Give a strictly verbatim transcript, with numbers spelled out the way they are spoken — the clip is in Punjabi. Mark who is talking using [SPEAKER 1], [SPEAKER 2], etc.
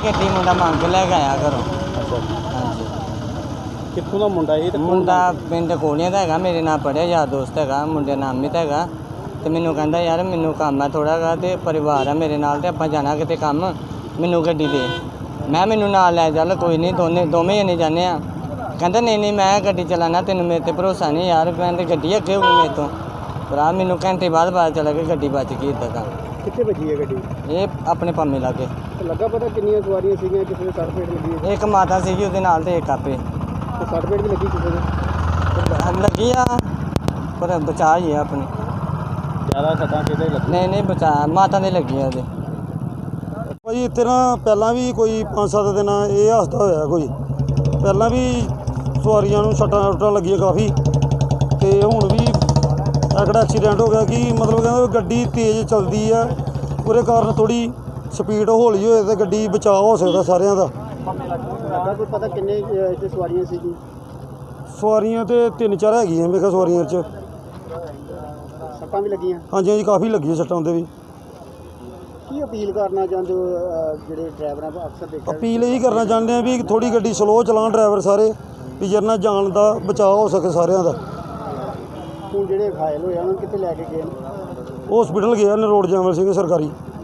[SPEAKER 1] ਗੱਡੀ ਮੁੰਡਾ ਮੰਗ ਕੇ ਲੈ ਕੇ ਆਇਆ ਘਰੋਂ। ਹਾਂਜੀ।
[SPEAKER 2] ਕਿੱਥੋਂ ਦਾ ਮੁੰਡਾ ਇਹ?
[SPEAKER 1] ਮੁੰਡਾ ਪਿੰਡ ਕੋਲੀਆਂ ਦਾ ਹੈਗਾ, ਮੇਰੇ ਨਾਲ ਪੜ੍ਹਿਆ, ਯਾਰ ਦੋਸਤ ਹੈਗਾ, ਮੁੰਡੇ ਦਾ ਨਾਮ ਅਮਿਤ ਹੈਗਾ। ਤੇ ਮੈਨੂੰ ਕਹਿੰਦਾ ਯਾਰ ਮੈਨੂੰ ਕੰਮ ਹੈ ਥੋੜ੍ਹਾ ਗਾ, ਅਤੇ ਪਰਿਵਾਰ ਹੈ ਮੇਰੇ ਨਾਲ, ਅਤੇ ਆਪਾਂ ਜਾਣਾ ਕਿਤੇ ਕੰਮ, ਮੈਨੂੰ ਗੱਡੀ ਦੇ। ਮੈਂ ਮੈਨੂੰ ਨਾਲ ਲੈ ਚੱਲ, ਕੋਈ ਨਹੀਂ, ਦੋਨੇ ਦੋਵੇਂ ਜਣੇ ਜਾਂਦੇ ਆ। ਕਹਿੰਦਾ ਨਹੀਂ ਨਹੀਂ ਮੈਂ ਗੱਡੀ ਚਲਾਉਣਾ, ਤੈਨੂੰ ਮੇਰੇ 'ਤੇ ਭਰੋਸਾ ਨਹੀਂ ਯਾਰ, ਕਹਿੰਦੇ ਗੱਡੀ ਅੱਗੇ ਹੋਊਗੀ ਮੇਰੇ ਤੋਂ। ਭਰਾ ਮੈਨੂੰ ਘੰਟੇ ਬਾਅਦ ਪਤਾ ਚੱਲਿਆ ਕਿ ਗੱਡੀ ਬਚ ਗਈ। ਇੱਦਾਂ ਦਾ
[SPEAKER 2] ਕਿੱਥੇ ਵੱਜੀ ਹੈ ਗੱਡੀ?
[SPEAKER 1] ਇਹ ਆਪਣੇ ਪੰਮੇ ਲਾਗੇ।
[SPEAKER 2] ਲੱਗਾ ਪਤਾ ਕਿੰਨੀਆਂ ਸਵਾਰੀਆਂ ਸੀਗੀਆਂ? ਕਿਸੇ ਦੇ ਸੱਟ ਫੇਟ ਲੱਗੀ?
[SPEAKER 1] ਇੱਕ ਮਾਤਾ ਸੀਗੀ ਉਹਦੇ ਨਾਲ, ਅਤੇ ਇੱਕ ਆਪੇ।
[SPEAKER 2] ਤੇ ਸੱਟ ਫੇਟ ਵੀ ਲੱਗੀ ਕਿਸੇ ਦੇ?
[SPEAKER 1] ਲੱਗੀ ਆ, ਪਰ ਬਚਾ ਹੀ ਆ ਆਪਣੀ।
[SPEAKER 2] ਜ਼ਿਆਦਾ ਸੱਟਾਂ ਕਿਹਦੇ ਲੱਗੀ?
[SPEAKER 1] ਨਹੀਂ ਨਹੀਂ ਬਚਾ, ਮਾਤਾ ਦੇ ਲੱਗੀ ਆ ਉਹਦੇ।
[SPEAKER 3] ਭਾਜੀ ਇੱਥੇ ਨਾ ਪਹਿਲਾਂ ਵੀ ਕੋਈ ਪੰਜ ਸੱਤ ਦਿਨ ਇਹ ਹਾਦਸਾ ਹੋਇਆ, ਕੋਈ ਪਹਿਲਾਂ ਵੀ ਸਵਾਰੀਆਂ ਨੂੰ ਸੱਟਾਂ ਸੁੱਟਾਂ ਲੱਗੀਆਂ ਕਾਫੀ, ਅਤੇ ਹੁਣ ਵੀ ਐਕੜਾ ਐਕਸੀਡੈਂਟ ਹੋ ਗਿਆ ਕਿ ਮਤਲਬ ਕਹਿੰਦਾ ਗੱਡੀ ਤੇਜ਼ ਚੱਲਦੀ ਆ, ਉਹਦੇ ਕਾਰਨ ਥੋੜ੍ਹੀ ਸਪੀਡ ਹੌਲੀ ਹੋਏ ਤਾਂ ਗੱਡੀ ਬਚਾਅ ਹੋ ਸਕਦਾ ਸਾਰਿਆਂ ਦਾ।
[SPEAKER 2] ਲੱਗਾ ਕੋਈ ਪਤਾ ਕਿੰਨੇ ਇੱਥੇ ਸਵਾਰੀਆਂ ਸੀਗੀ?
[SPEAKER 3] ਸਵਾਰੀਆਂ ਤਾਂ ਤਿੰਨ ਚਾਰ ਹੈਗੀਆਂ ਮੇਰੇ ਖਿਆਲ ਸਵਾਰੀਆਂ 'ਚ।
[SPEAKER 2] ਸੱਟਾਂ ਵੀ ਲੱਗੀਆਂ?
[SPEAKER 3] ਹਾਂਜੀ ਹਾਂਜੀ ਕਾਫੀ ਲੱਗੀਆਂ ਸੱਟਾਂ ਉਹਦੇ ਵੀ।
[SPEAKER 2] ਕੀ ਅਪੀਲ ਕਰਨਾ ਚਾਹੁੰਦੇ ਹੋ ਜਿਹੜੇ ਡਰਾਈਵਰਾਂ ਦਾ ਅਕਸਰ ਦੇਖਿਆ?
[SPEAKER 3] ਅਪੀਲ ਇਹੀ ਕਰਨਾ ਚਾਹੁੰਦੇ ਆ ਵੀ ਥੋੜ੍ਹੀ ਗੱਡੀ ਸਲੋਅ ਚਲਾਉਣ ਡਰਾਈਵਰ ਸਾਰੇ, ਵੀ ਜਿਹਦੇ ਨਾਲ ਜਾਨ ਦਾ ਬਚਾਅ ਹੋ ਸਕੇ ਸਾਰਿਆਂ ਦਾ।
[SPEAKER 2] ਹੁਣ ਜਿਹੜੇ ਘਾਇਲ ਹੋਏ ਉਹਨਾਂ ਨੂੰ ਕਿੱਥੇ ਲੈ ਕੇ ਗਏ?
[SPEAKER 3] ਹਸਪੀਟਲ ਗਿਆ ਨਰੋੜ ਜੈਮਲ ਸਿੰਘ ਸਰਕਾਰੀ।